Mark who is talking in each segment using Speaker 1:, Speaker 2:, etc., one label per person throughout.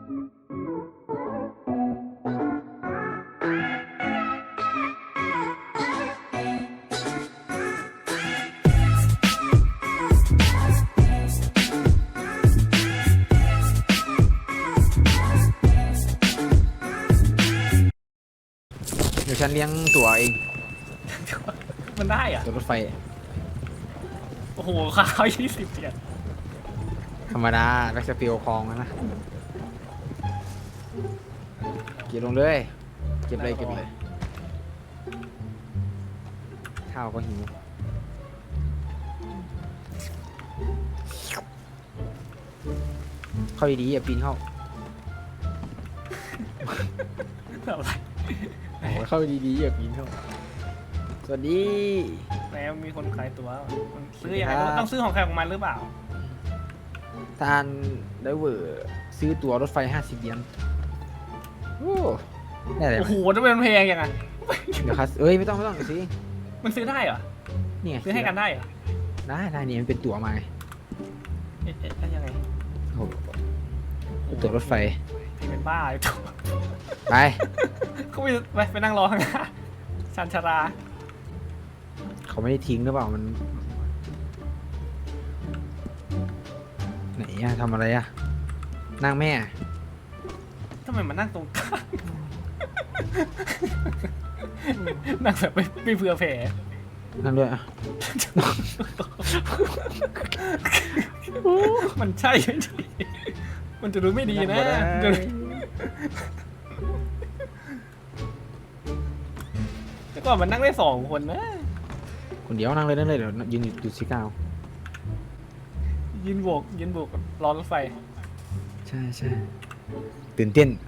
Speaker 1: เดี๋ยวฉันเลี้ยงตั๋วเอง
Speaker 2: มันได้อะ
Speaker 1: ตั๋วรถไฟ
Speaker 2: โอ้โหค่าเขา20 เหรียญ
Speaker 1: ธรรมดาแบ็กสเปีลคลองนะเก็บลงเลยเก็บเลยข้าวก็หิวเข้าดีๆอย่าปีนเข้า
Speaker 2: อะไร
Speaker 1: โอ้ยเข้าดีๆอย่าปีนเข้าสวัสดี
Speaker 2: แล้วมีคนขายตั๋วมันซื้อยังไง
Speaker 1: สวัสดีครับ
Speaker 2: ต้องซื้อของใครของมันหรือเปล่า
Speaker 1: ทานไดเวอร์ซื้อตั๋วรถไฟ50 เหรียญโอ้ได้เลย
Speaker 2: โอ้โหจะเป็นแพงยังไง
Speaker 1: เดี๋ยวครับเอ้ยไม่ต้องสิ
Speaker 2: มันซื้อได้เหรอ
Speaker 1: นี่ไง
Speaker 2: ซื้อให้กันได้เหรอ
Speaker 1: ได้นี่มันเป็นตั๋วมาไง
Speaker 2: เอ๊ะยังไง
Speaker 1: โอ้โหตั๋วรถไฟ
Speaker 2: พี่เป็นบ้าเลยถูก
Speaker 1: ไป
Speaker 2: เขาไปนั่งรอข้างหน้าชันชารา
Speaker 1: เขาไม่ได้ทิ้งหรือเปล่ามันไหนอะทำอะไรอะนั่งแม่
Speaker 2: ทำไมมันนั่งตรงกลางนั่งแบบไม่เผื่อแผ่
Speaker 1: นั่งด้วยอะ
Speaker 2: มันใช่ไหมมันจะดูไม่ดีนะแต่ก่อนมันนั่งได้2 คนนะ
Speaker 1: คนเดียวนั่งเลยเดี๋ยวยืนอยู่สิก้าว
Speaker 2: ยืนโบกรอรถไฟ
Speaker 1: ใช่ตื่นเต้น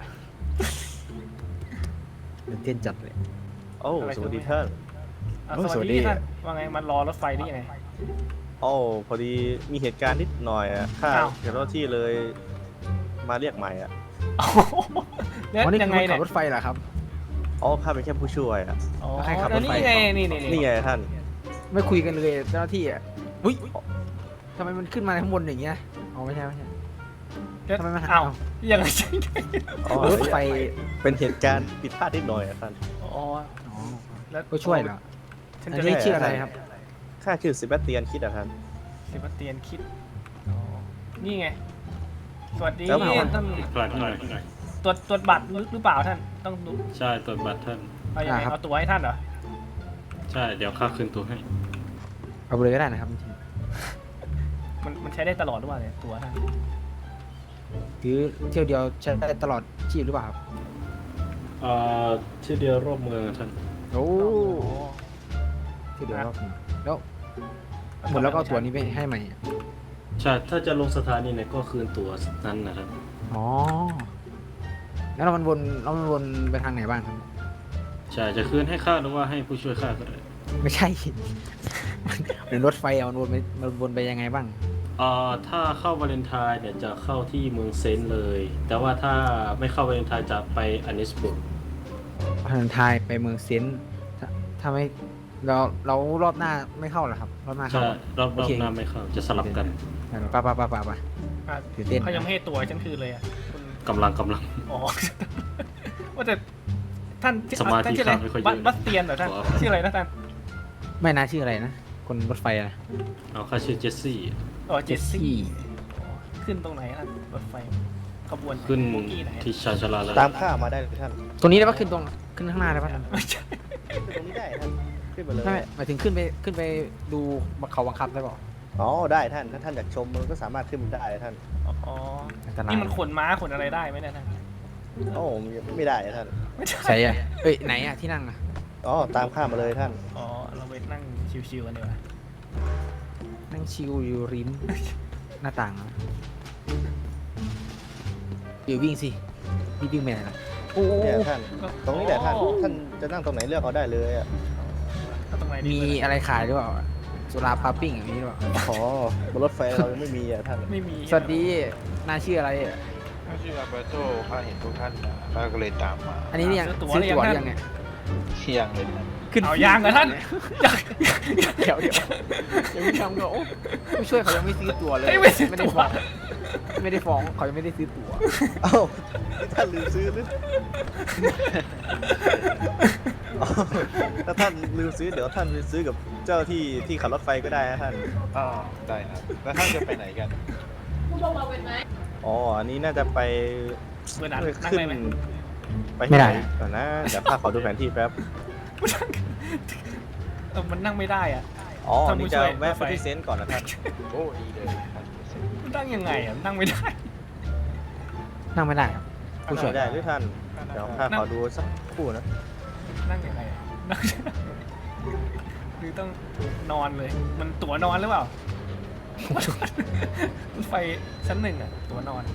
Speaker 1: จัดเลย
Speaker 3: โอ้สวัสดีท่าน
Speaker 2: อ่ะ
Speaker 1: โอ้
Speaker 2: ส
Speaker 1: สวั
Speaker 2: วัส
Speaker 1: สดี
Speaker 2: ดีท่านว่าไงมันรอรถไฟได้ยังไง
Speaker 3: โอ้พอดีมีเหตุการณ์นิดหน่อยอ่ะข้า
Speaker 2: อ้าว
Speaker 3: เจ้าหน้าที่เลยมาเรียกใหม่อ่ะ
Speaker 2: แล้ว
Speaker 1: วันนี้
Speaker 2: ยัง
Speaker 1: คือ
Speaker 2: ไง
Speaker 1: คนขั
Speaker 2: เนี่ย
Speaker 1: บรถไฟเหรอครับ
Speaker 3: อ๋อข้าเป็นแค่ผู้ช่วยอ่ะ
Speaker 2: อ๋อ
Speaker 1: แล้วใครขับรถไฟ
Speaker 2: นี่ไงนี่
Speaker 3: นี่ไงท่าน
Speaker 1: ไม่คุยกันเลยเจ้าหน้าที่อ่ะอุ้ยทำไมมันขึ้นมาข้างบนอย่างเงี้ยอ๋อไม่ใช่
Speaker 2: แล้ว
Speaker 1: ทำไมมันหา
Speaker 2: อ้าวยังไง
Speaker 3: อ๋อ
Speaker 1: รถไฟ
Speaker 3: เป็นเหตุการณ์ผิดพลาดนิดหน่อยอ่ะท่าน
Speaker 2: อ๋อ
Speaker 1: อ๋อ
Speaker 2: แล้ว
Speaker 1: ก็ช่วยเหรอ
Speaker 2: ฉัน
Speaker 1: อัน
Speaker 2: จะ
Speaker 1: นี้
Speaker 2: ได้
Speaker 1: ชื่ออะไรครับ
Speaker 3: ข้าชื่อเซบาสเตียนคิดอ่ะท่าน
Speaker 2: เซบาสเตียนคิดอ๋อนี่ไงสวัสดี
Speaker 3: แล้วเปล่า
Speaker 2: ท่าน
Speaker 4: ปลัดหน่อย
Speaker 2: ตรวจบัตรหรือเปล่าท่านต้องดู
Speaker 4: ใช่ตรวจบัตรท่าน
Speaker 2: เอาอย่างไร
Speaker 1: ครับ
Speaker 2: เอาตัวให้ท่านเหรอ
Speaker 4: ใช่เดี๋ยวค่าคืนตัวให้
Speaker 1: เอาไปเลยก็ได้นะครับจริง
Speaker 2: มันใช้ได้ตลอดหรือเปล่าเนี่ยตัวท่าน
Speaker 1: ๆคือเที่ยวเดียวใช้ได้ตลอดชีพหรือเปล่าครับ
Speaker 4: ที่เดียวรอบเมืองอะท่าน
Speaker 1: โอ้
Speaker 2: โอ้
Speaker 1: เที่ยวเดียวรอบหนึ่งแล้วหมดแล้วก็เอาตั๋วนี้ไปให้ใหม่อะ
Speaker 4: ใช่ถ้าจะลงสถานีไหนก็คืนตัวนั้นนะครับ
Speaker 1: อ๋อแล้วเรามันวนไปทางไหนบ้างครับ
Speaker 4: ใช่จะคืนให้ข้าหรือว่าให้ผู้ช่วยข้าก็ได้
Speaker 1: ไม่ใช่ เป็นรถไฟอะมันวนไปยังไงบ้าง
Speaker 4: ถ้าเข้าวาเลนไทน์เนี่ยจะเข้าที่เมืองเซนต์เลย แต่ว่าถ้าไม่เข้าวาเลนไทน์จะไปอานิสบุก
Speaker 1: พันทายไปเมืองเซนต์ถ้าไม่เรารอบหน้าไม่เข้าเหรอครับ รอบหน้าเข้า
Speaker 4: ใช่รอบ
Speaker 1: โอเค
Speaker 4: หน้าไม่เข้าจะสลับกัน
Speaker 1: ไป
Speaker 2: อ่ะ
Speaker 1: ตื่นเต้น
Speaker 2: เขายังไม่ให้ตัวฉันคืนเลยอ่ะคุณ
Speaker 4: กำลัง
Speaker 2: อ๋อ ว่าแต่ท่าน
Speaker 4: สมาธิ
Speaker 2: ท่านชื่ออะไร
Speaker 4: ข้าไม่ค่อยเยอะ
Speaker 2: บัสเตียนเหรอท่าน
Speaker 4: ขออภัย
Speaker 2: ชื่ออะไรนะท่าน
Speaker 1: ไม่น่าชื่ออะไรนะ คนรถไฟนะ
Speaker 4: เอาข้าชื่อเจสซี่
Speaker 2: อ๋อเจสซี่ขึ้นตรงไหนท่านรถไฟขบวน
Speaker 4: ขึ้น
Speaker 2: โบกี้ไหน
Speaker 4: ที่ชาชาลาแล้ว
Speaker 3: ตามข้ามาได้เลยท่าน
Speaker 1: ตรงนี้ได้ปะขึ้นข้างหน้าได้ปะ
Speaker 2: ไม่ใช่
Speaker 3: ขึ้นตรงนี้ได้ท่านขึ้นไปเลย
Speaker 1: ไม่หมายถึงขึ้นไปดูเขาบังคับได้ปะ
Speaker 3: อ๋อได้ท่านถ้าท่านอยากชมมันก็สามารถขึ้นได้ท่าน
Speaker 2: อ๋อ
Speaker 1: อันตราย
Speaker 2: นี่มันขนม้าขนอะไรได้ไหมเนี่ยท่าน
Speaker 3: โอ้ไม่ได้ท่าน
Speaker 2: ไม่ใช่
Speaker 1: ใช่อะเอ้ยไหนอะที่นั่งอะ
Speaker 3: อ๋อตามข้ามาเลยท่าน
Speaker 2: อ๋อเราไปนั่งชิวๆกันดีกว่า
Speaker 1: นั่งชิลอยู่ริมหน้าต่างอะเดี๋ยววิ่งสิวิ่งไปไหนล่ะโอ้
Speaker 3: เนี่ยท่านตรงนี้แหละท่านท่านจะนั่งตรงไหนเลือกเอาได้เลยอ่ะ
Speaker 2: เอาตรงไหนดี
Speaker 1: มีอะไรขายหรือเปล่าสุราพาปิ้งอย่างนี้หรือเปล่า
Speaker 3: อ๋อบนรถไฟเรายังไม่มีอ่ะท่าน
Speaker 2: ไม่มี
Speaker 1: สวัสดีนายชื่ออะไรอะ
Speaker 5: ข้าชื่ออัลเบร์โตข้าเห็นทุกท่านนะข้าก็เลยตามมา
Speaker 1: อันนี้เนี่ย
Speaker 2: ซื้อตั๋ว
Speaker 1: ซื้อ
Speaker 2: หรือ
Speaker 1: ตั๋วห
Speaker 2: ยัง
Speaker 1: รือยัง
Speaker 2: ท่าน
Speaker 1: เนี่ย
Speaker 5: เที่ยงเลยนะ
Speaker 1: ขึ้น
Speaker 2: เอายางเหรอท่านยาง
Speaker 1: เดี๋ยวยังไม่ทำก็โอ้ผู้ช่วยเขายังไม่ซื้อตั๋วเลย
Speaker 2: ไม่ซื้อตั๋ว
Speaker 1: ไม่ได้ฟ้องเขายังไม่ได้ซื้อตั๋ว
Speaker 3: เอ้าท่านลืมซื้อหรืออ๋อถ้าท่านลืมซื้อเดี๋ยวท่านไปซื้อกับเจ้าที่ขับรถไฟก็ได้นะท่าน
Speaker 5: อ๋อได้ครับ แล้วท่านจะไปไหนกัน
Speaker 3: อ๋ออันนี้น่าจะไป
Speaker 2: เมื่อนั้นนั่ง
Speaker 3: ขึ้น
Speaker 2: ได้ไหม
Speaker 3: ไปที่ไหนก่อนนะเดี๋ยวข้าขอดูแผนที่แป๊บ
Speaker 2: มันนั่งไม่ได้อ่ะ
Speaker 3: อ๋อ
Speaker 2: ท่านผู้
Speaker 3: นี่จะ
Speaker 2: ช่วย
Speaker 3: แวะไปที่เซนต์ก่อนนะท่าน
Speaker 5: โอ้ดีเลยครับ
Speaker 2: มันนั่งยังไงอ่ะนั่งไม่ได้
Speaker 1: นั่งไม่ได้ครับผู้ช่วย
Speaker 3: ไม่ได้หรือท่าน เดี๋ยวข้าขอดูสักครู่นะ
Speaker 2: นั่งยังไงอะนั่งหรือต้องนอนเลย มันตั๋วนอนหรือเปล่า รถไฟชั้นหนึ่งอ่ะตั๋วนอน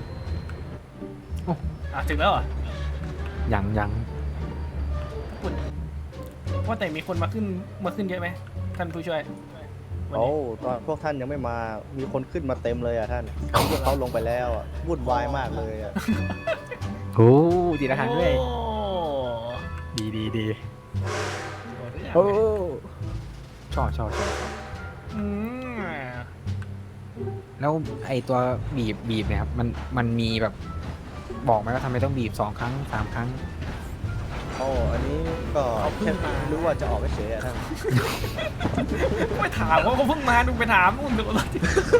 Speaker 2: ถึงแล้วเหรอ
Speaker 1: ยัง
Speaker 2: ปุ่นว่าแต่มีคนมาขึ้นเยอะไหมท่านผู้ช่วยวัน
Speaker 3: โอ้
Speaker 2: นี้
Speaker 3: ตอนพวกท่านยังไม่มา มีคนขึ้นมาเต็มเลยอ่ะท่านพวกเขาลงไปแล้วอ่ะวุ่นวายมากเลยอ่ะ
Speaker 1: โอ้ดีละครั้งด้วย
Speaker 2: โอ้
Speaker 1: ดี
Speaker 2: โอ้
Speaker 1: โอ้ชอบ
Speaker 2: อืม
Speaker 1: แล้วไอตัวบีบเนี่ยครับมันมีแบบบอกไหมว่าทำไมต้องบีบ2 ครั้ง 3 ครั้ง
Speaker 3: โอ้อันนี้ก็แค่รู้ว่าจะออกเฉยๆอ่ะท่าน
Speaker 2: ไม่ถามว่าเขาเพิ่งมาดูไปถามนู่นดูรถ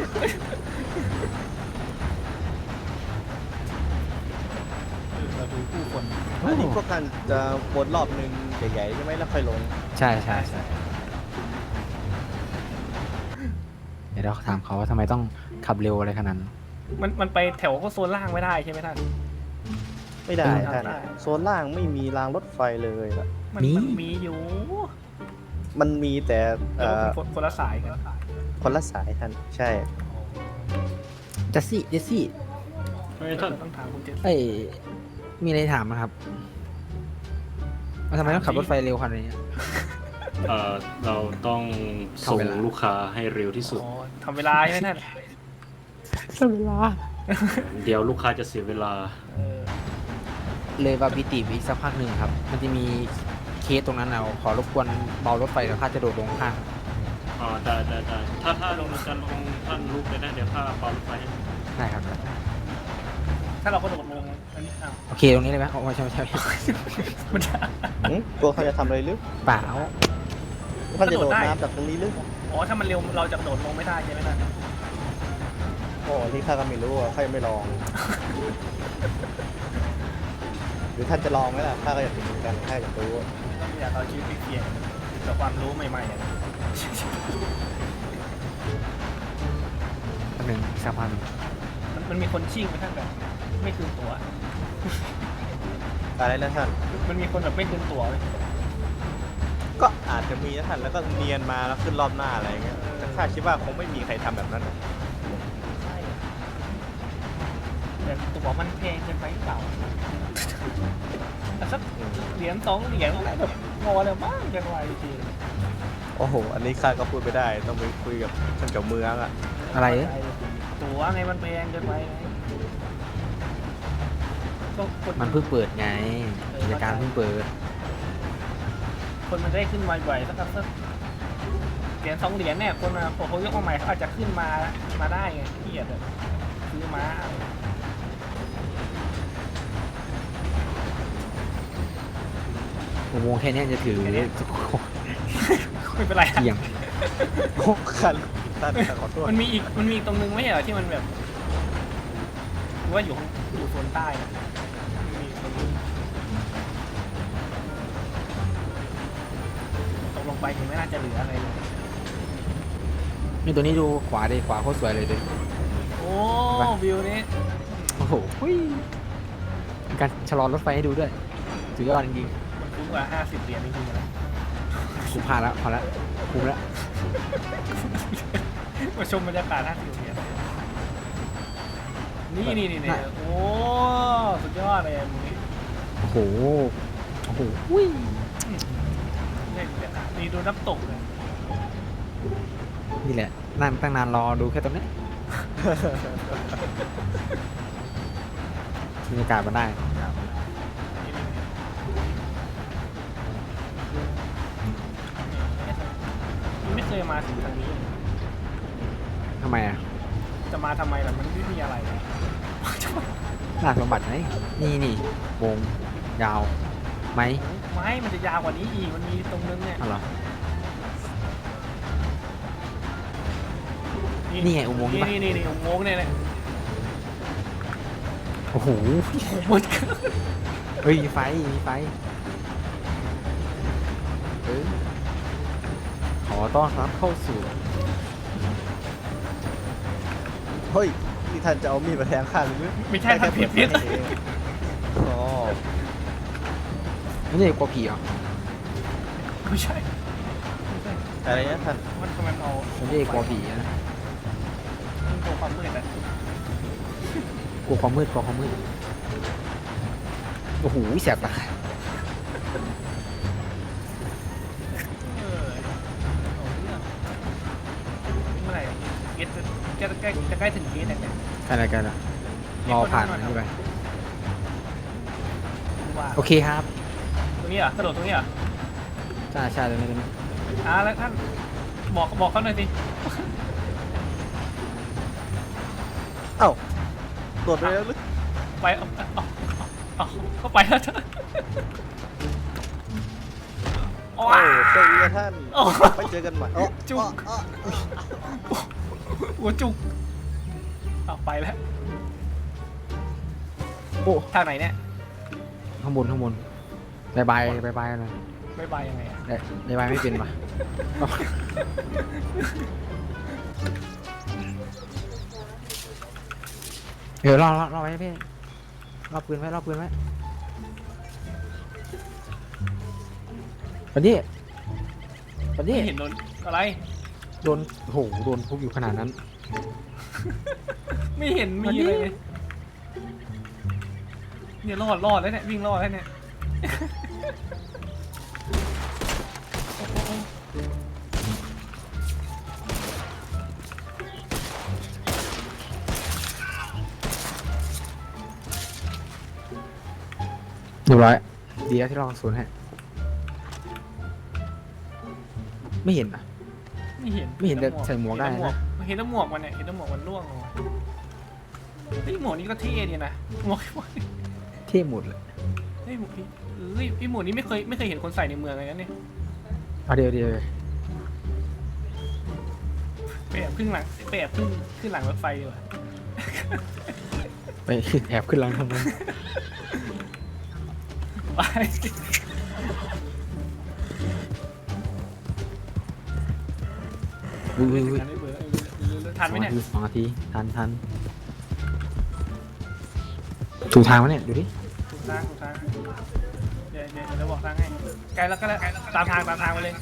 Speaker 2: เราดูผู้คน
Speaker 3: อันนี้พวกท่านจะวนรอบหนึ่งใหญ่ๆใช่ไหมแล้วค่อยลง
Speaker 1: ใช่เดี๋ยวเราถามเขาว่าทำไมต้องขับเร็วอะไรขนาดนั้น
Speaker 2: มันไปแถวก็โซนล่างไม่ได้ใช่ไหมท่าน
Speaker 3: ไม่ได้
Speaker 2: ไม่ได้
Speaker 3: ท่านโซนล่างไม่มีรางรถไฟเลยล่ะ
Speaker 2: มันมีอยู่
Speaker 3: มันมีแต่
Speaker 2: แต่ว่าเป็นคนละสายกัน
Speaker 3: คนละสายท่านใช่
Speaker 1: เจสซี่
Speaker 4: เฮ้ยท่าน
Speaker 2: ต้องถามคุณเจษ
Speaker 1: เอ้ยมีอะไรถามนะครับว่าทำไมต้องขับรถไฟเร็วขนาดนี้
Speaker 4: เราต้องส่ง
Speaker 1: ทำเวลา
Speaker 4: ลูกค้าให้เร็วที่สุด
Speaker 2: อ๋อทำเวลาใช่ไหมท่าน
Speaker 1: เวลา
Speaker 4: เดี๋ยวลูกค้าจะเสียเวลา
Speaker 1: เลยบาบิติอีกสักพักหนึ่งครับ มันจะมีเคสตรงนั้นเอาขอรบกวนเบารถไฟแล้วข้าจะโดดลงข้าง
Speaker 4: ได้ถ้าลงจะลงท่านลุกเลยนะเดี๋ยวข้าเป่ารถไฟให้
Speaker 1: ได้ครับ
Speaker 2: ถ้าเราก็โดดลงอันนี้อ้าว
Speaker 1: โอเคตรงนี้เลยไหมโอ้ไม่ใช่
Speaker 2: มันจะ
Speaker 3: ตัวเขาจะทำอะไรหรือ
Speaker 1: เปล่า
Speaker 3: ท่านจะโดดน้ำจากตรงนี้หรือ
Speaker 2: อ๋อถ้ามันเร็วเราจะโดดลงไม่ได้ใช่ไหมท่าน
Speaker 3: โอ้ที่ข้าก็ไม่รู้อ่ะข้ายังไม่ลอง หรือท่านจะลองไหมล่ะข้าก็อยากเห็นเหมือนกันข้าอยากรู้
Speaker 2: อยากเอาชีวิตไปเสี่ยงกับความรู้ใหม่ๆอะ
Speaker 1: หนึ่งสักพักหนึ่ง
Speaker 2: มันมีคนชิ่งไหมท่านแบบไม่คืนตั๋ว
Speaker 3: อะไรนะท่าน
Speaker 2: มันมีคนแบบไม่คืนตั๋วไหม
Speaker 3: ก็อาจจะมีนะท่านแล้วก็เนียนมาแล้วขึ้นรอบหน้าอะไรอย่างเงี้ยแต่ข้าคิดว่าคงไม่มีใครทำแบบนั้นนะ
Speaker 2: ใช่แต่ตั๋วมันแพงเกินไปหรือเปล่าแต่สักเหรียญ2 เหรียญอะไรแบบงอแล้วมากจังไรจริง
Speaker 3: โอ้โหอันนี้ข้าก็พูดไม่ได้ต้องไปคุยกับท่านเจ้าเมืองอ่ะ
Speaker 1: อะไร
Speaker 2: ตั๋วไงมันแพงเกินไปไงก็คน
Speaker 1: มันเพิ่งเปิดไงกิจการเพิ่งเปิด
Speaker 2: คนมันจะได้ขึ้นมาบ่อยๆสักเหรียญ2 เหรียญเนี่ยคนมาพอเขายกมาใหม่เขาอาจจะขึ้นมาได้ไงเกียดอะซื้อมา
Speaker 1: อุโมงค์แค่นี้จะถือ
Speaker 2: ไม่เป็นไร
Speaker 1: เที่ยง
Speaker 3: โอ้คันท่านขอโทษ
Speaker 2: มันมีอีกตรงนึงไม่ใช่เหรอที่มันแบบหรือว่าอยู่โซนใต้อะมีอีกตรงนึงตกลงไปยังไม่น่าจะเหลืออะไรเลย
Speaker 1: นี่ตัวนี้ดูขวาดิขวาโคตรสวยเลยดิ
Speaker 2: โอ้วิวนี้
Speaker 1: โอ้โหมีการชะลอรถไฟให้ดูด้วยสุดยอดจริง
Speaker 2: มันคุ้มกว่า50 เหรียญจริงๆนะ
Speaker 1: ๆคุ้มพาแล้วพอแล้วคุ้มแล้ว
Speaker 2: มาชมบรรยากาศ50 เหรียญนี่โอ้สุดยอดเลยอันนี้
Speaker 1: โอ้โหอุ้ย
Speaker 2: นี่ดูน้ำตกเลย
Speaker 1: นี่แหละนั่งตั้งนานรอดูแค่ตรงนี้บรรยากาศมันได้
Speaker 2: เคยมาถึงทางนี้
Speaker 1: ทำไมอ่ะ
Speaker 2: จะมาทำไมล่ะมันไม่มีอะไรเลย
Speaker 1: ล่าสมบัติไหมนี่วงยาวไหม
Speaker 2: ไม่มันจะยาวกว่านี้อีกมันมีตรงนึงเนี่ย
Speaker 1: อ๋อเหรอ นี่ไงอุโมงค์นี่ปะ
Speaker 2: นี่อุโมงค์เนี่ยแหละ
Speaker 1: โอ้โห
Speaker 2: หมด
Speaker 1: เฮ้ยมีไฟเออขอต้อนรับเข้าสู่
Speaker 3: เฮ้ยนี่ท่านจะเอามีดมาแทงข้าหรือไม่
Speaker 2: ไม่ใช่ทำผิด
Speaker 3: อ๋อ
Speaker 1: ไม่ใช่กลัวผีเหรอ
Speaker 2: ไม่ใช่
Speaker 3: อะไรเนี่ยท่าน
Speaker 2: มันทำไมเอา
Speaker 1: ไม่ใช่กลัวผีนะ
Speaker 2: มันตัวความมืดอะ
Speaker 1: กลัวความมืดโอ้โหแสบตา
Speaker 2: เออเอาเรื่องเมื่อไหร่เกตจะใกล้ถึงเกตแล้วเนี่ย
Speaker 1: อะไรกันอ่ะรอผ่านมันไป
Speaker 2: ว่า
Speaker 1: โอเคครับ
Speaker 2: ตรงนี้เหรอกระโดดตรงนี้เหรอ
Speaker 1: ใช่ตรงนี้
Speaker 2: แล้วท่านบอกเขาหน่อยสิ
Speaker 3: เอ้าโดดไปแล้วหรือ
Speaker 2: ไปเอาเข้าไปแล้วเถอะ
Speaker 3: โอ้เจ้าเอียท่าน
Speaker 2: โอ้
Speaker 3: ไปเจอกันใหม่โอ้
Speaker 2: จุกหัวจุกเอาไปแล้ว
Speaker 1: โอ้
Speaker 2: ทางไหนเนี่ย
Speaker 1: ข้างบนบายบายเลย
Speaker 2: บ๊ายบายยังไงอะ
Speaker 1: บายบายไม่เป็นปะเดี๋ยวรอไว้พี่รอปืนไว้ปันนี้
Speaker 2: ไม่เห็นโดนอะไร
Speaker 1: โดนโหโดนทุบอยู่ขนาดนั้น
Speaker 2: ไม่เห็นมีอะไรเลยเนี่ยรอดแล้วเนี่ยวิ่งรอดแล้วเนี่ย
Speaker 1: เรียบร้อยดีแล้วที่เราศูนย์ให้ไม่เห็นอ่ะ
Speaker 2: ไม่เห็น
Speaker 1: ไม่เห็นแต่ใส่หมวกได้นะ
Speaker 2: เห็นแต่หมวกมันเนี่ยเห็นแต่หมวกมันร่วงลงมาเฮ้ยหมวกนี้ก็เท่ดีนะหมวก
Speaker 1: เท่หมดเลย
Speaker 2: เฮ้ยหมวกนี้ไอ้หมวกนี้ไม่เคยเห็นคนใส่ในเมืองเลยนะเนี่ย
Speaker 1: เอาเดี๋ยว
Speaker 2: ไปแอบขึ้นหลังขึ้นหลังรถไฟดีกว่า
Speaker 1: ไปแอบขึ้นหลังทำไม
Speaker 2: ไป
Speaker 1: อุ้ย
Speaker 2: ทันไหมเนี่ย
Speaker 1: 2 นาทีทันถูกทางวะเนี่ยดูดิ
Speaker 2: ถูกทางเดี๋ยวบอกทางให้ไกลแล้วตามทางไปเลย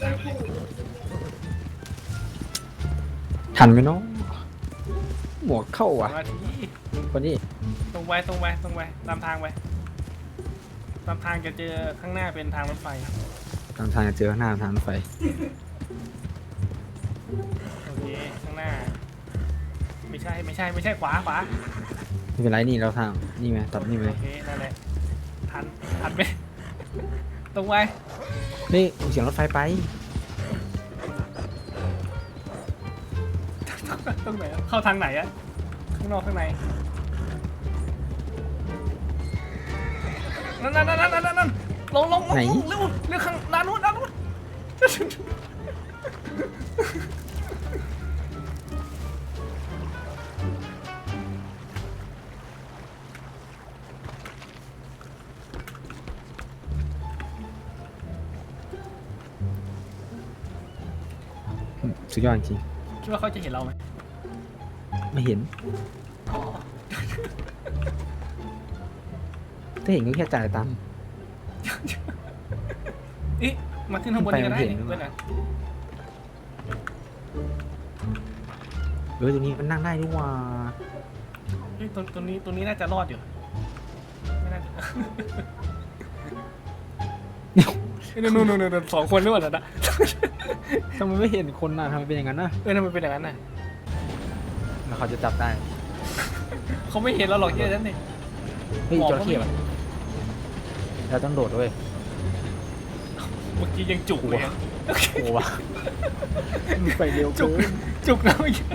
Speaker 1: ทันไหมน้องหมวกเข้า
Speaker 2: 2
Speaker 1: อ่ะ
Speaker 2: นาที
Speaker 1: คนนี้
Speaker 2: ตรงไปตามทางไปตามทางจะเจอข้างหน้าเป็นทางรถไฟ
Speaker 1: ตามทางจะเจอหน้าทางรถไฟ
Speaker 2: โอเคข้างหน้าไม่ใช่ขวา
Speaker 1: ไม่เป็นไรนี่เราทางนี่ไหมตัดนี่ไหม
Speaker 2: โอเคนั่นแหละทันไปตรงไป
Speaker 1: นี่เสียงรถไฟไป
Speaker 2: ตรงไหนอะเข้าทางไหนอะข้างนอกข้างในนั่นลงเร็วข้างด้านนู้น
Speaker 1: สุดยอดจริง
Speaker 2: คิดว่าเขาจะเห็นเราไหม
Speaker 1: ไม่เห็นถ้าเห็นก็แค่จ่ายตังค์
Speaker 2: อีมาขึ้นข้างบนนี้ก็ได้
Speaker 1: ไปมันเห็น
Speaker 2: เพื่อนอะ
Speaker 1: ตรงนี้มันนั่งได้ด้วยว่า
Speaker 2: เฮ้ยตรงนี้น่าจะรอดอยู่ไม่น่าจะนู่น2 คนหรือเปล่านะ
Speaker 1: ทำไมไม่เห็นคนน่ะทำไมเป็นอย่างนั้นน่ะ
Speaker 2: ทำไมเป็นอย่างนั้นน่ะ
Speaker 1: แล้วเขาจะจับได้
Speaker 2: เขาไม่เห็นเราหรอกเยอะนั่นเอง
Speaker 1: เฮ้ย
Speaker 2: บอก
Speaker 1: จ
Speaker 2: ว่า
Speaker 1: ระเข้
Speaker 2: ไม่
Speaker 1: อะเราต้องโดดด้วย
Speaker 2: เมื่อกี้ยังจุกเลยอะ
Speaker 1: โอ้วะมันไปเร็ว
Speaker 2: จุ
Speaker 1: เกิ
Speaker 2: ก
Speaker 1: น
Speaker 2: จุกแล้วเมื่อกี้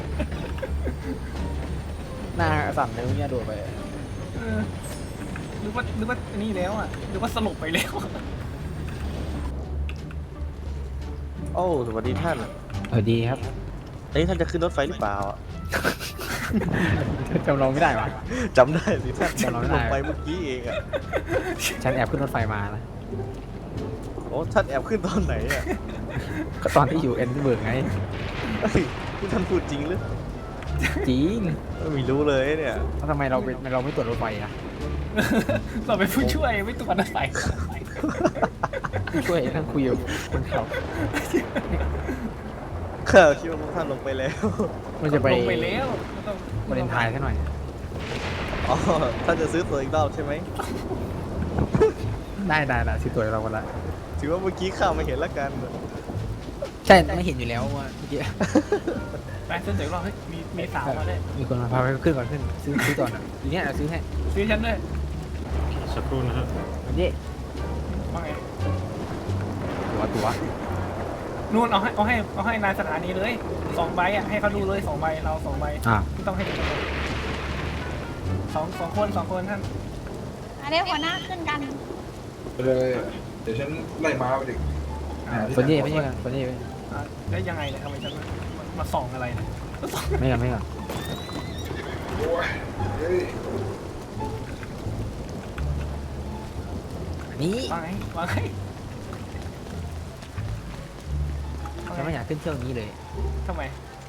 Speaker 1: หน้าสั่นเลยเนี่ยโดดไป
Speaker 2: เออหรือว่านี่แล้วอ่ะหรือว่าสลบไปแล้ว
Speaker 3: โอ้สวัสดีท่าน
Speaker 1: ดีครับ
Speaker 3: เอ้ยท่านจะขึ้นรถไฟหรือเปล่าอะ
Speaker 1: จำลองไม่ได้วะ
Speaker 3: จำได้สิท่าน
Speaker 1: จำเราไม่
Speaker 3: ล
Speaker 1: ได้
Speaker 3: งไปเมื่อกี้เองอะ
Speaker 1: ฉันแอบขึ้นรถไฟมานะ
Speaker 3: โอ้ท่านแอบขึ้นตอนไหนอะ
Speaker 1: ก็ตอนที่อยู่เอ็นเบิร์กไง
Speaker 3: เฮ้ยนี่ท่านพูดจริงหรือ
Speaker 1: จริง
Speaker 3: ไม่รู้เลยเนี่ย
Speaker 1: แล้วทำไมเราไม่ตรวจรถไฟอะ
Speaker 2: เราเป็นผู้ช่วยไม่ตัวนักใส่
Speaker 1: ช่วยนั่งคุยกับคนขับ
Speaker 3: ข้าคิดว่าพวกท่านลงไปแล้ว
Speaker 1: มันจะไป
Speaker 2: ลงไปแล้วไม่ต้อง
Speaker 1: วาเลนไทน์ซะหน่อย
Speaker 3: อ๋อท่านจะซื้อตัวอีกรอบใช่ไหม
Speaker 1: ได้ซื้อตั๋วเรากันละ
Speaker 3: ถือว่าเมื่อกี้ข้าไม่เห็นละกัน
Speaker 1: ใช่ไม่เห็นอยู่แล้วว่าเมื่อกี้
Speaker 2: ไปเส้นเดี๋ยวเราเฮ้ยมีสาวมาด้วย
Speaker 1: มีคนมาพาไปขึ้นก่อนขึ้นซื้อก่อนอ่ะทีเนี้ยซื้อให้
Speaker 2: ซื้อฉันด้วย
Speaker 4: สักครู่นะครับ
Speaker 1: อันนี้
Speaker 2: ว่าไง
Speaker 1: ตั๋ว
Speaker 2: นู่นเอาให้นายสถานีเลย2 ใบอ่ะให้เขาดูเลย2 ใบเรา2 ใบ
Speaker 1: อ่ะ
Speaker 2: ไม่ต้องให้ดูเลยสองคนท่าน
Speaker 6: อันนี้หัวหน้าขึ้นกัน
Speaker 5: ไปเลย เดี๋ยวฉันไล่ม้าไปดิ
Speaker 1: คนนี้ไม่ใช่กันคนนี้
Speaker 2: อ่ะได้ยังไงเนี่ยทำไมฉันมาส่องอะไรเนี่ย
Speaker 1: ไม่กัน
Speaker 5: โอ้ยเฮ้ย
Speaker 1: อันนี้
Speaker 2: ว่าไง
Speaker 1: ฉันไม่อยากขึ้นเที่ยวนี้เลย
Speaker 2: ทำไม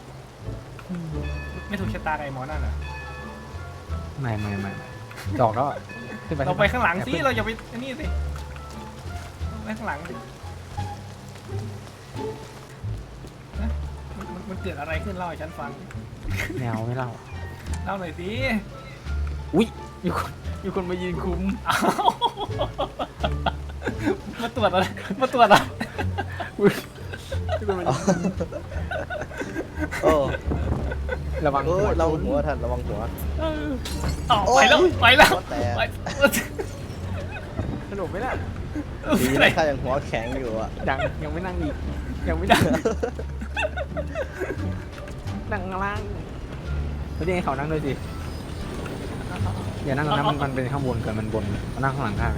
Speaker 2: ไม่ถูกชะตากับไอ้หมอนั่นเหรอ
Speaker 1: ไม่ดอกแล้วอะขึ้นไป
Speaker 2: เราไปข้างหลังสิ
Speaker 1: ขึ้น
Speaker 2: เราอย่าไปอันนี่สิไปข้างหลังสินะมันเกิดอะไรขึ้นเล่าให้ฉันฟัง
Speaker 1: แนวไม่เล่า
Speaker 2: เล่าหน่อยสิ
Speaker 1: อุ้ยมีคนมายืนคุม
Speaker 2: อ้าวมาตรวจอะไรมาตรวจอะไร
Speaker 3: โอ้
Speaker 1: ระวัง
Speaker 3: โอ้
Speaker 1: หัวย
Speaker 3: ระวังหัวท่านระวังหัว
Speaker 2: อ๋อ
Speaker 3: โอ้
Speaker 2: ไปแล้ว
Speaker 3: หัวแตก
Speaker 2: ไป
Speaker 1: สนุกไหมล่ะ
Speaker 3: ดีนะข้ายังหัวแข็งอยู่อะ
Speaker 1: ยังไม่นั่งอีกยังไม่นั่งนั่งข้างล่างไม่ได้ให้เขานั่งด้วยสิอย่านั่งตรงนั้นมันเป็นข้างบนเกินมันบนมานั่งข้างหลังข้าง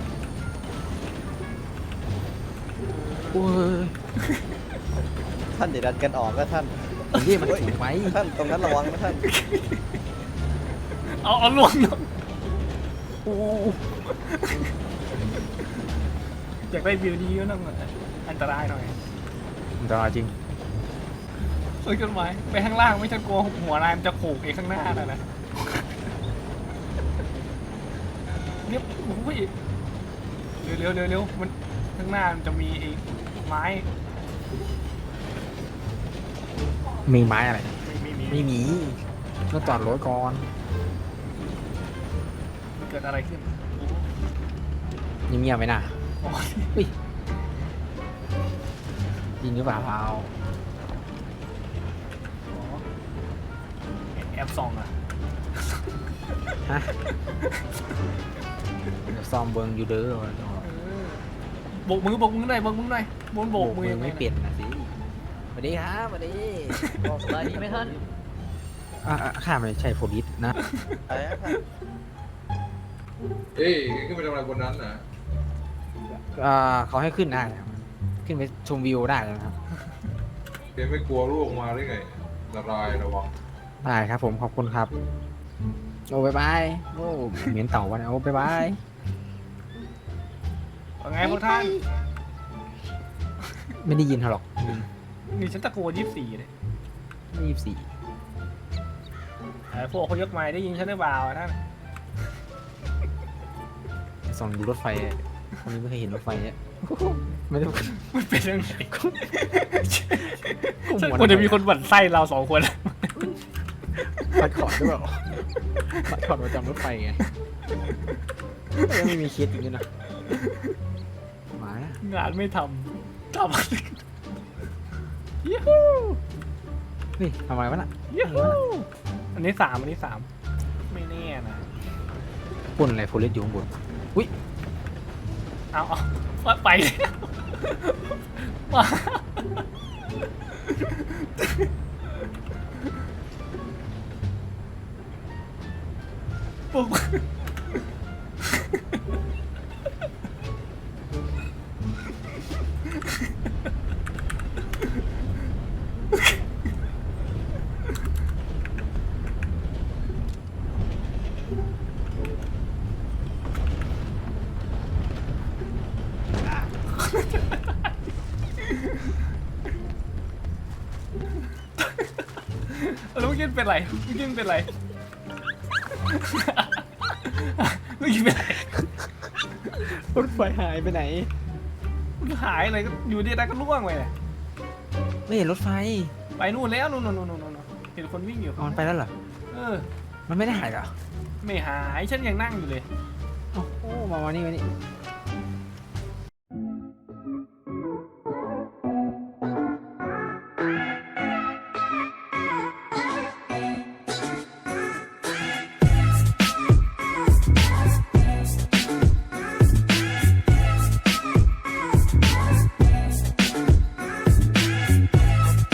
Speaker 1: โอ้ย
Speaker 3: ท่านเดี๋ยวดันกันออกก็ท่าน
Speaker 1: นี่มันถูกไหม
Speaker 3: ท่านตรงนั้นระวังนะท่าน
Speaker 2: เอาลวงอยากได้วิวดีก็ต้องอันตรายหน่อย
Speaker 1: อันตรายจริง
Speaker 2: ซื้อจดหมายไปข้างล่างไม่จะกลัวหัวนายมันจะโขกไอ้ข้างหน้าน่ะนะเนี่ยโอ้ยเร็วมันข้างหน้ามันจะมีไอ้ไม้
Speaker 1: มีไม้อะไร
Speaker 2: มี
Speaker 1: ไม่มีต้องจอดรถก่อน
Speaker 2: มันเกิดอะไรขึ้น
Speaker 1: เงียบๆไหมน่ะ
Speaker 2: โอ้ย
Speaker 1: อุ้ยยิงหรือเปล่าเปล่า
Speaker 2: แอบส่องอ่ะ
Speaker 1: ฮะเดี๋ยวซ้อมเบิงอยู่เด้อ
Speaker 2: โบกมือหน่อยบนโบกมือยังไง
Speaker 1: ไม่เปลี่ยนนะสิสวัสดีครับสวัสดี
Speaker 6: บอกสบายดีไหมท่าน
Speaker 1: ข้าไม่ใช่โพลิสนะ
Speaker 3: อะไรนะท่าน
Speaker 5: เอ้ยขึ้นไปทำอะไรบนนั้นนะ
Speaker 1: เขาให้ขึ้นได้ครับขึ้นไปชมวิวได้นะครับ
Speaker 5: แกไม่กลัวลูกมาได้ไงอันตรายระวัง
Speaker 1: ได้ครับผมขอบคุณครับโอ้บายบายโอ้เหม็นเต่าวันโอ้บายบาย
Speaker 2: ว่าไงพวกท่าน
Speaker 1: ไม่ได้ยินเขาหรอก
Speaker 2: นี่ฉันตะโกน24เลย
Speaker 1: 24
Speaker 2: พวกเขายกไม้ได้ยินฉันหรือเปล่าท่าน
Speaker 1: ส่องดูรถไฟคนนี้ไม่เคยเห็นรถไฟเนี่ยไม่ได้
Speaker 2: มันเป็นยังไง
Speaker 1: หัว
Speaker 2: ควรจะมีคนหวั่นไส้เรา2 คน
Speaker 1: ปัดขอดหรือเปล่าปัดขอดประจำรถไฟไงยังไม่มีเคสอย่างนี้นะหมานะ
Speaker 2: งานไม่ทำอะไรยู
Speaker 1: เฮ้ยทำไมวะน่ะ
Speaker 2: ยูอันนี้3ไม่แน่นะ
Speaker 1: ปุ่นอะไรโพลิสอยู่ข้างบนอุ้ย
Speaker 2: เอาไปแล้วมาปุ๊บแล้วเมื่อกี้เป็นไรเมื่อกี้เป็นไรเมื่อกี้เป็นไร
Speaker 1: รถไฟหายไปไหน
Speaker 2: มันหายเลยก็อยู่ดีๆก็ล่วงไปเลย
Speaker 1: ไม่เห็นรถไฟ
Speaker 2: ไปนู่นแล้วนู่นเห็นคนวิ่งอยู่
Speaker 1: เอามันไปแล้วเหรอ
Speaker 2: เออ
Speaker 1: มันไม่ได้หายเหรอ
Speaker 2: ไม่หายฉันยังนั่งอยู่เลย
Speaker 1: เอ้าโอ้มานี่